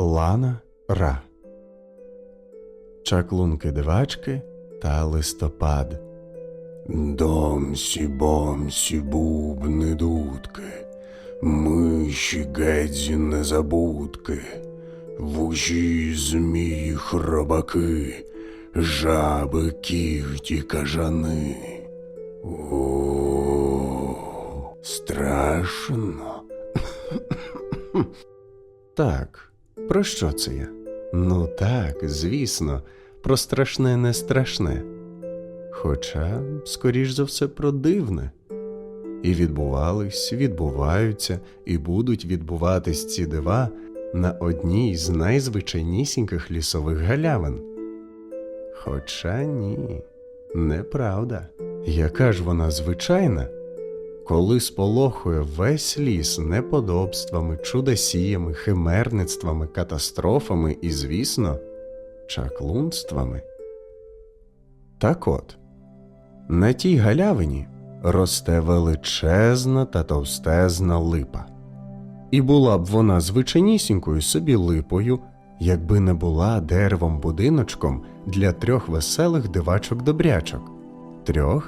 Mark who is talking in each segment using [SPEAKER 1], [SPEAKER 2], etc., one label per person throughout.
[SPEAKER 1] Лана-Ра. Чаклунки-дивачки та листопад.
[SPEAKER 2] Домсі-бомсі бубни дудки, миші гедзі незабудки, вужі змії хробаки, жаби кіхті кажани. О, страшно.
[SPEAKER 1] Так, про що це я? Ну так, звісно, про страшне не страшне. Хоча, скоріш за все, про дивне. І відбувались, відбуваються і будуть відбуватись ці дива на одній з найзвичайнісіньких лісових галявин. Хоча ні, неправда. Яка ж вона звичайна, коли сполохує весь ліс неподобствами, чудосіями, химерництвами, катастрофами і, звісно, чаклунствами. Так от, на тій галявині росте величезна та товстезна липа. І була б вона звичайнісінькою собі липою, якби не була деревом-будиночком для 3 веселих дивачок-добрячок, 3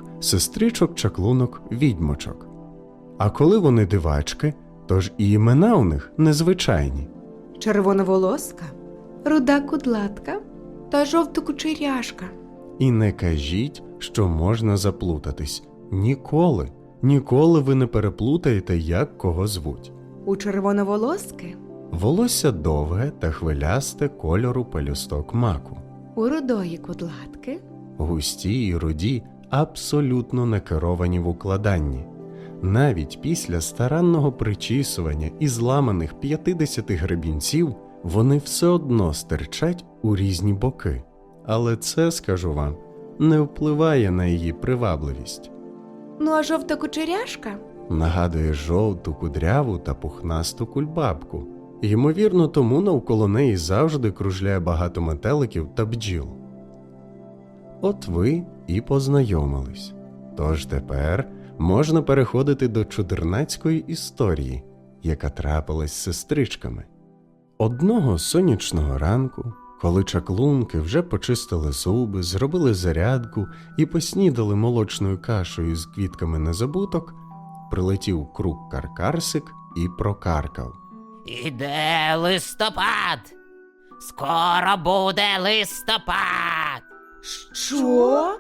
[SPEAKER 1] сестричок-чаклунок-відьмочок. А коли вони дивачки, то ж і імена у них незвичайні.
[SPEAKER 3] Червоноволоска, руда кудлатка та жовтокучеряшка.
[SPEAKER 1] І не кажіть, що можна заплутатись. Ніколи, ніколи ви не переплутаєте, як кого звуть.
[SPEAKER 3] У червоноволоски,
[SPEAKER 1] Волосся довге та хвилясте кольору пелюсток маку.
[SPEAKER 3] у рудої кудлатки,
[SPEAKER 1] Густі і руді абсолютно не керовані в укладанні. Навіть після старанного причісування і зламаних 50 гребінців вони все одно стирчать у різні боки. Але це, скажу вам, не впливає на її привабливість.
[SPEAKER 3] ну а жовтокучеряшка
[SPEAKER 1] Нагадує жовту, кудряву та пухнасту кульбабку. Ймовірно, тому навколо неї завжди кружляє багато метеликів та бджіл. От ви і познайомились. Тож тепер можна переходити до чудернацької історії, яка трапилась з сестричками. Одного сонячного ранку, коли чаклунки вже почистили зуби, зробили зарядку і поснідали молочною кашею з квітками незабуток, прилетів круг-каркарсик і прокаркав.
[SPEAKER 4] Іде листопад! Скоро буде листопад!
[SPEAKER 3] Що?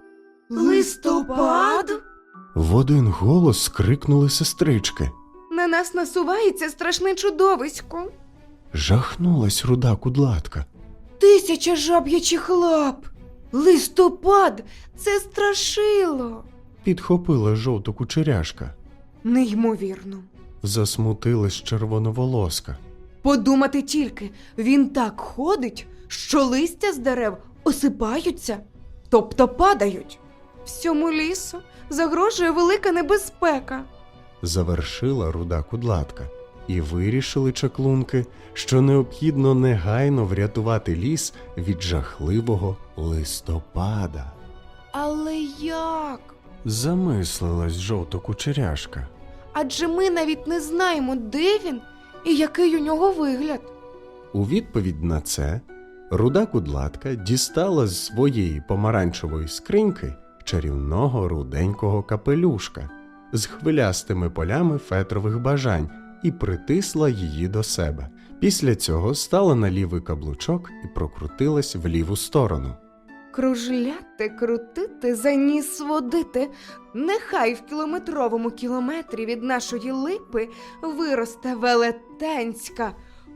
[SPEAKER 3] Листопад?
[SPEAKER 1] В один голос скрикнули сестрички.
[SPEAKER 3] На нас насувається страшне чудовисько.
[SPEAKER 1] Жахнулась руда кудлатка.
[SPEAKER 3] 1000 жаб'ячих лап. Листопад – це страшило.
[SPEAKER 1] Підхопила жовтокучеряшка.
[SPEAKER 3] Неймовірно.
[SPEAKER 1] Засмутилась червоноволоска.
[SPEAKER 3] Подумати тільки, він так ходить, що листя з дерев осипаються, тобто падають. Всьому лісу загрожує велика небезпека.
[SPEAKER 1] Завершила руда кудлатка. І вирішили чаклунки, що необхідно негайно врятувати ліс від жахливого листопада.
[SPEAKER 3] Але як?
[SPEAKER 1] Замислилась жовтокучеряшка.
[SPEAKER 3] Адже ми навіть не знаємо, де він і який у нього вигляд.
[SPEAKER 1] У відповідь на це руда кудлатка дістала з своєї помаранчевої скриньки чарівного руденького капелюшка з хвилястими полями фетрових бажань і притисла її до себе. Після цього стала на лівий каблучок і прокрутилась в ліву сторону.
[SPEAKER 3] Кружляти, крутити, за ніс водити. Нехай в кілометровому кілометрі від нашої липи виросте велетенська,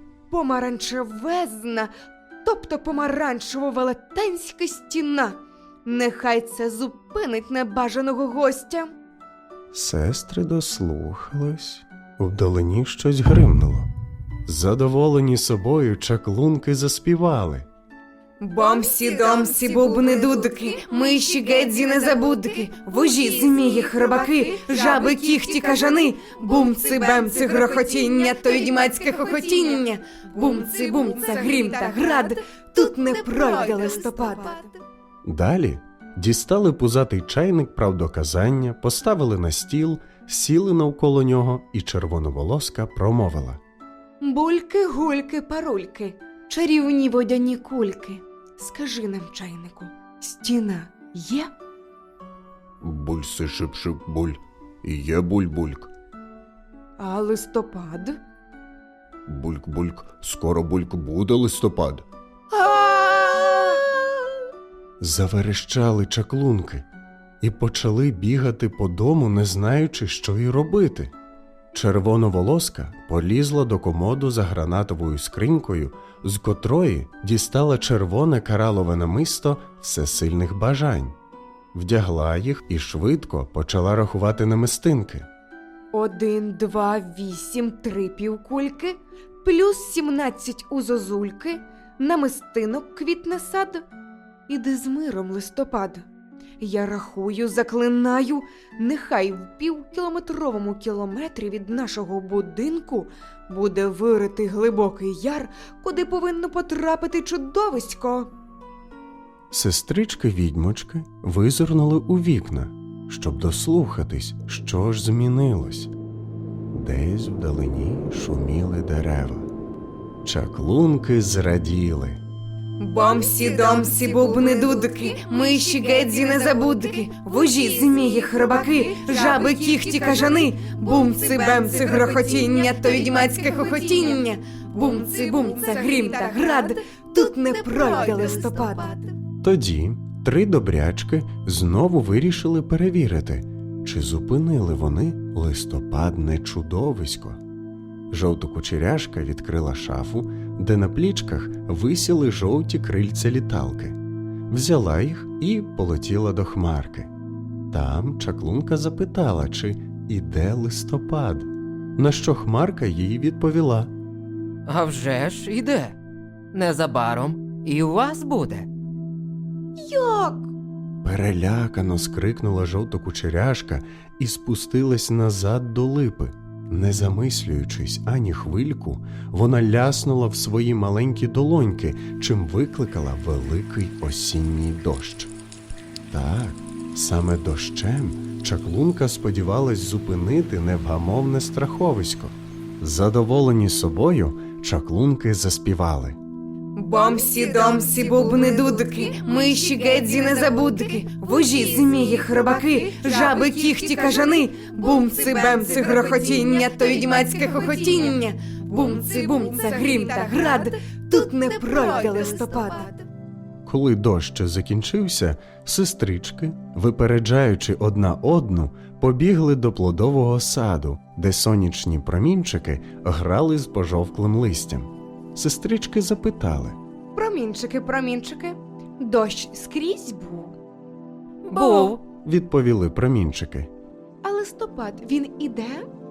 [SPEAKER 3] помаранчевезна, тобто помаранчево-велетенська стіна. Нехай це зупинить небажаного гостя.
[SPEAKER 1] Сестри дослухались. Вдалині щось гримнуло. Задоволені собою чаклунки заспівали.
[SPEAKER 3] Бомсі-домсі бубни дудки, миші гедзі незабудки, вужі змії хробаки, жаби кіхті кажани, бумци-бемци грохотіння, то відьмацьке хохотіння, бумци-бумця грім та град, тут не пройде листопад.
[SPEAKER 1] Далі дістали пузатий чайник правдоказання, поставили на стіл, сіли навколо нього, і червоноволоска промовила.
[SPEAKER 3] Бульки, гульки, парульки, чарівні водяні кульки. Скажи нам, чайнику, стіна є?
[SPEAKER 2] Бульси шип-шип буль. Є буль-бульк.
[SPEAKER 3] А листопад?
[SPEAKER 2] Бульк-бульк, скоро бульк буде листопад.
[SPEAKER 1] Заверещали чаклунки і почали бігати по дому, не знаючи, що й робити. Червоноволоска полізла до комоду за гранатовою скринькою, з котрої дістала червоне каралове намисто всесильних бажань. Вдягла їх і швидко почала рахувати намистинки.
[SPEAKER 3] 1, 2, 8, 3 півкульки, плюс 17 у зозульки, намистинок квітне сад. Іди з миром, листопад. Я рахую, заклинаю, нехай в півкілометровому кілометрі від нашого будинку буде виритий глибокий яр, куди повинно потрапити чудовисько.
[SPEAKER 1] Сестрички-відьмочки визирнули у вікна, щоб дослухатись, що ж змінилось. Десь вдалині шуміли дерева. Чаклунки зраділи.
[SPEAKER 3] Бомсі-домсі, бубни-дудки, миші, гедзі, незабудки, вужі, змії, хробаки, жаби, кіхті, кажани, бумци-бемци, грохотіння, то відьмацьке хохотіння, бумци-бумце, грім та град, тут не пройде листопад.
[SPEAKER 1] Тоді 3 добрячки знову вирішили перевірити, чи зупинили вони листопадне чудовисько. Жовтокучеряшка відкрила шафу, де на плічках висіли жовті крильця літалки. Взяла їх і полетіла до хмарки. Там чаклунка запитала, чи іде листопад, на що хмарка їй відповіла.
[SPEAKER 5] А вже ж іде. Незабаром і у вас буде.
[SPEAKER 3] Як?
[SPEAKER 1] Перелякано скрикнула жовтокучеряшка і спустилась назад до липи. Не замислюючись ані хвильку, вона ляснула в свої маленькі долоньки, чим викликала великий осінній дощ. Так, саме дощем чаклунка сподівалась зупинити невгамовне страховисько. Задоволені собою, чаклунки заспівали.
[SPEAKER 3] Бомсі-домсі, бубни-дудки, миші, гедзі, незабудки, вужі, змії, хробаки, жаби, кіхті, кажани, бумци-бемци, грохотіння, то відьмацьке хохотіння, бумци-бумце, грім та град, тут не пройде листопад.
[SPEAKER 1] Коли дощ закінчився, сестрички, випереджаючи одна одну, побігли до плодового саду, де сонячні промінчики грали з пожовклим листям. Сестрички запитали.
[SPEAKER 3] Промінчики, промінчики, дощ скрізь був.
[SPEAKER 5] Був.
[SPEAKER 1] Відповіли промінчики.
[SPEAKER 3] А листопад, він іде?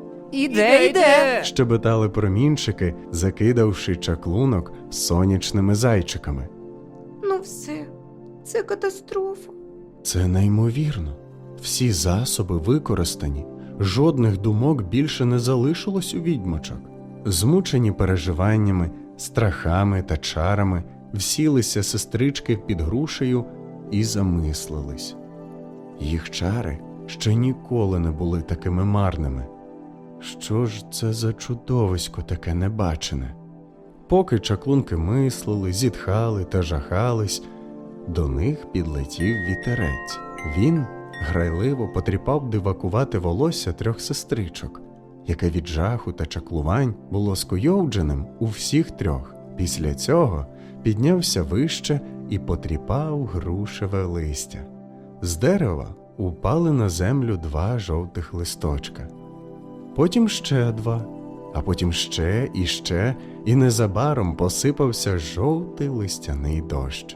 [SPEAKER 5] Іде.
[SPEAKER 1] Щебетали промінчики, закидавши чаклунок сонячними зайчиками.
[SPEAKER 3] Ну все, це катастрофа.
[SPEAKER 1] Це неймовірно. Всі засоби використані, жодних думок більше не залишилось у відьмочок. Змучені переживаннями, страхами та чарами, всілися сестрички під грушею і замислились. Їх чари ще ніколи не були такими марними. Що ж це за чудовисько таке небачене? Поки чаклунки мислили, зітхали та жахались, до них підлетів вітерець. Він грайливо потріпав дивакувати волосся 3 сестричок, яке від жаху та чаклувань було скуйовдженим у всіх 3. Після цього піднявся вище і потріпав грушеве листя. З дерева упали на землю 2 жовтих листочка. Потім ще 2, а потім ще, і незабаром посипався жовтий листяний дощ.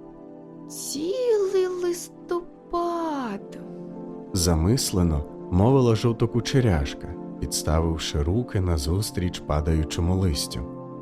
[SPEAKER 3] Цілий листопад.
[SPEAKER 1] Замислено мовила жовтокучеряшка, підставивши руки назустріч падаючому листю.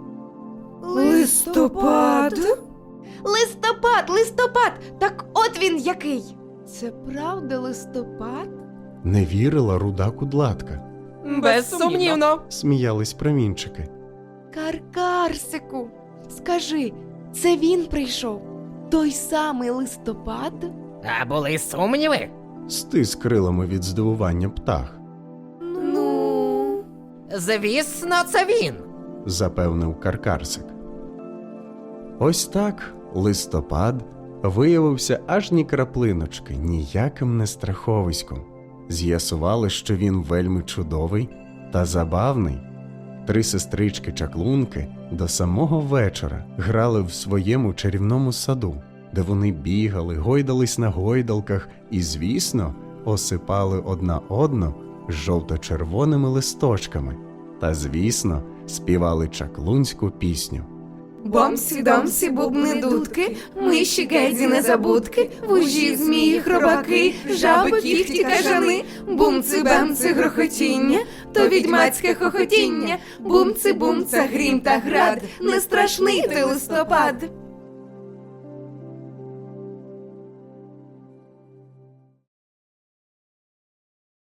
[SPEAKER 3] Листопад? Листопад, листопад! Так от він який! Це правда листопад?
[SPEAKER 1] Не вірила руда кудлатка.
[SPEAKER 5] Безсумнівно.
[SPEAKER 1] Сміялись промінчики.
[SPEAKER 3] Каркарсику, скажи, це він прийшов? Той самий листопад?
[SPEAKER 4] А були сумніви?
[SPEAKER 1] Стис крилами від здивування птах.
[SPEAKER 3] Ну.
[SPEAKER 4] Звісно, це він.
[SPEAKER 1] запевнив Каркарсик. Ось так листопад виявився аж ні краплиночки, ніяким не страховиськом. З'ясували, що він вельми чудовий та забавний. 3 сестрички-чаклунки до самого вечора грали в своєму чарівному саду, де вони бігали, гойдались на гойдалках і, звісно, осипали одна одну жовто-червоними листочками та, звісно, співали чаклунську пісню.
[SPEAKER 3] Бомсі-домсі, бубни дудки, миші гедзі незабудки, вужі, змії, хробаки, жаби, кіхті, кажани, бумци-бемци, грохотіння, то відьмацьке хохотіння, бумци-бумца, грім та град, не страшний ти листопад.